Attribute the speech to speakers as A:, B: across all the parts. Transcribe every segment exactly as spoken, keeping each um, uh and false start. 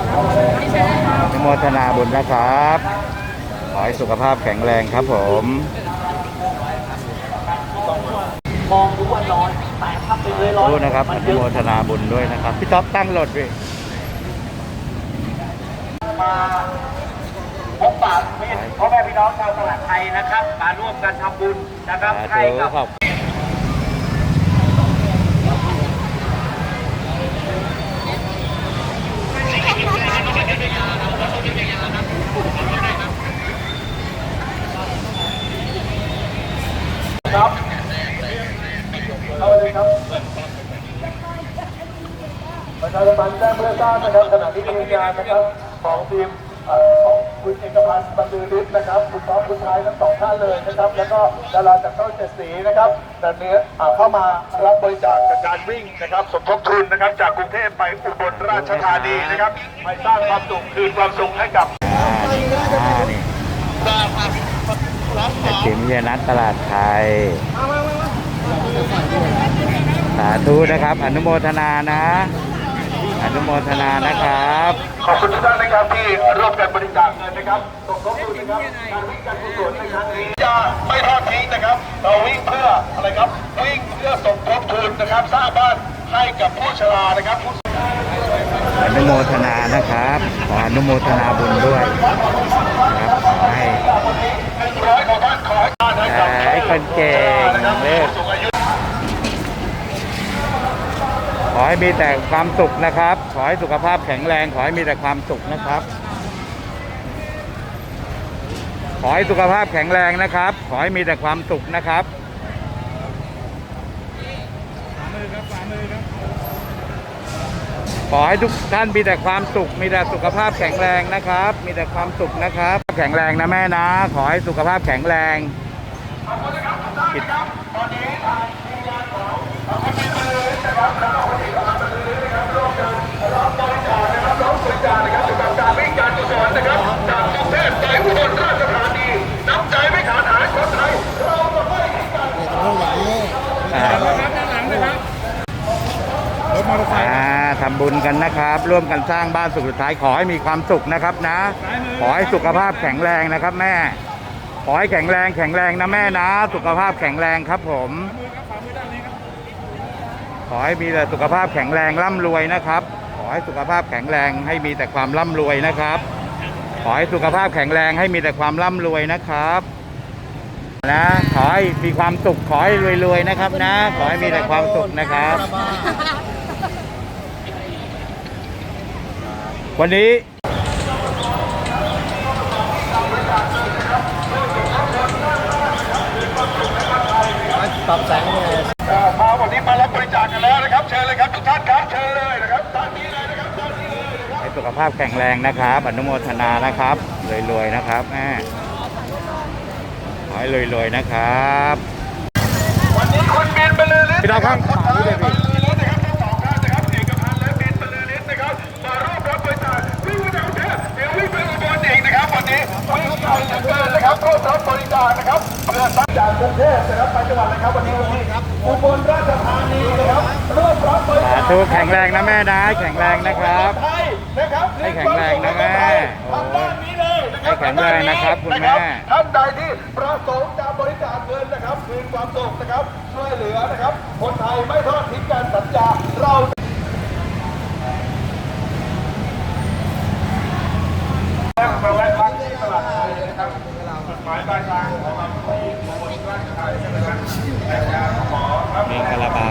A: อนุโมทนาบุญนะครับขอให้สุขภาพแข็งแรงครับผม
B: มองดูว่าร้อนแต่ถ้าเป็นเลยร้อน
A: นะครับอนุโมทนาบุญด้วยนะครับพี่ท็อปตั้งรถด้วย
B: มาพบปะมิตรพ่อแม่พี่น้องชาวตลาดไทยนะครับมาร่วมกันทำบุญนะครับให้กับครับเอาเลยครับประชาสัมพันธ์แจ้งเพื่อทราบนะครับขณะที่มีงานนะครับของทีมของคุณเอกพันธ์บรรลือฤทธิ์นะครับคุณป๊อปคุณชายทั้งสองท่านเลยนะครับแล้วก็ดาราจากช่องเจ็ดสีนะครับแต่เนื้อเข้ามารับบริจาคจากการวิ่งนะครับสมทบทุนนะครับจากกรุงเทพไปอุบลราชธานีนะครับไปสร้างความสุขคืนความสุขให้กับ
A: ทีมเยนัทตลาดไทยสาธุนะครับอนุโมทนานะอนุโมทนานะครับ
B: ขอบคุณทุกท่านนะครับที่ร่วมกันบริจาคเงินนะครับสมทบทุนนะครับการวิ่งการกุศลในครั้งนี้จะไม่ทอดทิ้งนะครับเราวิ่งเพื่ออะไรครับวิ่งเพื่อสมทบทุนนะครับสร้างบ้านให้กับผู้ชรานะครับ
A: อนุโมทนานะครับขออนุโมทนาบุญด้วยนะครับขอให้ให้คนเก่งเลิศขอให้มีแต่ความสุขนะครับขอให้สุขภาพแข็งแรงขอให้มีแต่ความสุขนะครับขอให้สุขภาพแข็งแรงนะครับขอให้มีแต่ความสุขนะครับขอให้ทุกท่านมีแต่ความสุขมีแต่สุขภาพแข็งแรงนะครับมีแต่ความสุขนะครับแข็งแรงนะแม่นะขอให้สุขภาพแข็งแรงทำบุญกันนะครับร่วมกันสร้างบ้านสุขสุดท้ายขอให้มีความสุขนะครับนะขอให้สุขภาพแข็งแรงนะครับแม่ขอให้แข็งแรงแข็งแรงนะแม่นะสุขภาพแข็งแรงครับผมขอให้มีแต่สุขภาพแข็งแรงร่ำรวยนะครับขอให้สุขภาพแข็งแรงให้มีแต่ความร่ำรวยนะครับขอให้สุขภาพแข็งแรงให้มีแต่ความร่ำรวยนะครับนะขอให้มีความสุขขอให้รวยๆนะครับนะขอให้มีแต่ความสุขนะครับวันนี้
B: ปรับแสงเลยมาวันนี้มารับบริจาคกันแล้วนะครับเชิญเลยครับทุกท่านครับเชิญเลยนะครับตอนนี้เลยนะครับตอนนี้เลยนะครับ
A: ให้สุขภาพแข็งแรงนะครับอนุโมทนานะครับรวยๆนะครับแม่ขอให้รวยๆนะครับ
B: วันนี้คุณบินบรรลือฤทธิ์
A: พี่น้องครับมาด้วยพี่
B: นะครับร่วมรับบริจาคนะครับเพื่อสร้างจากกรุงเทพนะครับไปจังหวัดอะไรครับวันนี้ครับอุบลราชธานีนะครับร่วมรับบริจาค
A: ทุกแข็งแรงนะแม่นะแข็งแรงนะครับให้แข็งแรงนะแม่โอ้ให้แข็งแรงนะครับคุณแม่
B: ท่านใดที่ประสงค์จะบริจาคเงินนะครับคืนความสุขนะครับช่วยเหลือนะครับคนไทยไม่ทอดทิ้งกันสัญญาเรามาแวะพักที่ตลาดไทยนะครับจุดหมายปลายทางของเราที่อุบลราชธานีนะครับแต่ยาหมอครับ
A: เมฆลาบา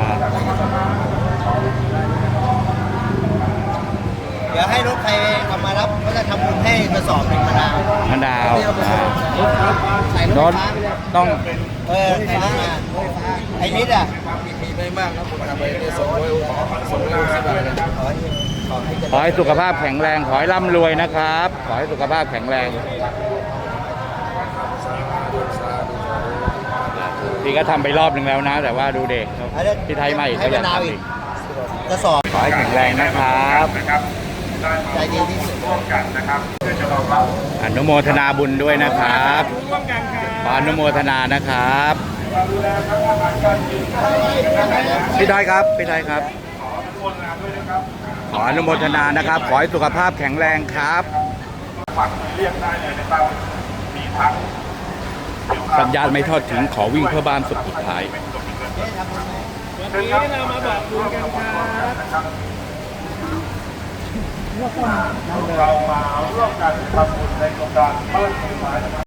C: เดี๋ยวให้รถใครเอามารับก็จะทำบุญให้กระสอบเป็นมะนาว
A: มะนาวรถต้อง
C: เออไฟฟ้าไอ้นิดอ่ะ
B: มีไม่มากครับผมทำไปได้สองร้อยขอสองร้อยสิบบาทนะครับ
A: ขอให้สุขภาพแข็งแรงขอให้ร่ำรวยนะครับขอให้สุขภาพแข็งแรงพี่ก็ทำไปรอบหนึ่งแล้วนะแต่ว่าดูเด็กพี่ไทยใหม่ก็ยังทำอีก
C: กระสอบ
A: ขอให้แข็งแรงนะครับ
C: ใจดีที่สุด
B: นะครับ
A: อนุโมทนาบุญด้วยนะครับขออนุโมทนานะครับพี่ไทยครับพี่ไทยครับขออนุโมทนาด้วยนะครับขออนุโมทนานะครับ ขอให้สุขภาพแข็งแรงครับ
B: ฝักเรียกได้เลยนะครับมีทั้ง
A: สัญญาณไม่ทอดทิ้งขอวิ่งเพื่อบ้านสุดสุดท้าย
B: วันนี้เรามาบอกบุญกันครับเรามาร่วมกันทำบุญในโครงการบ้านสุดท้ายนะครับ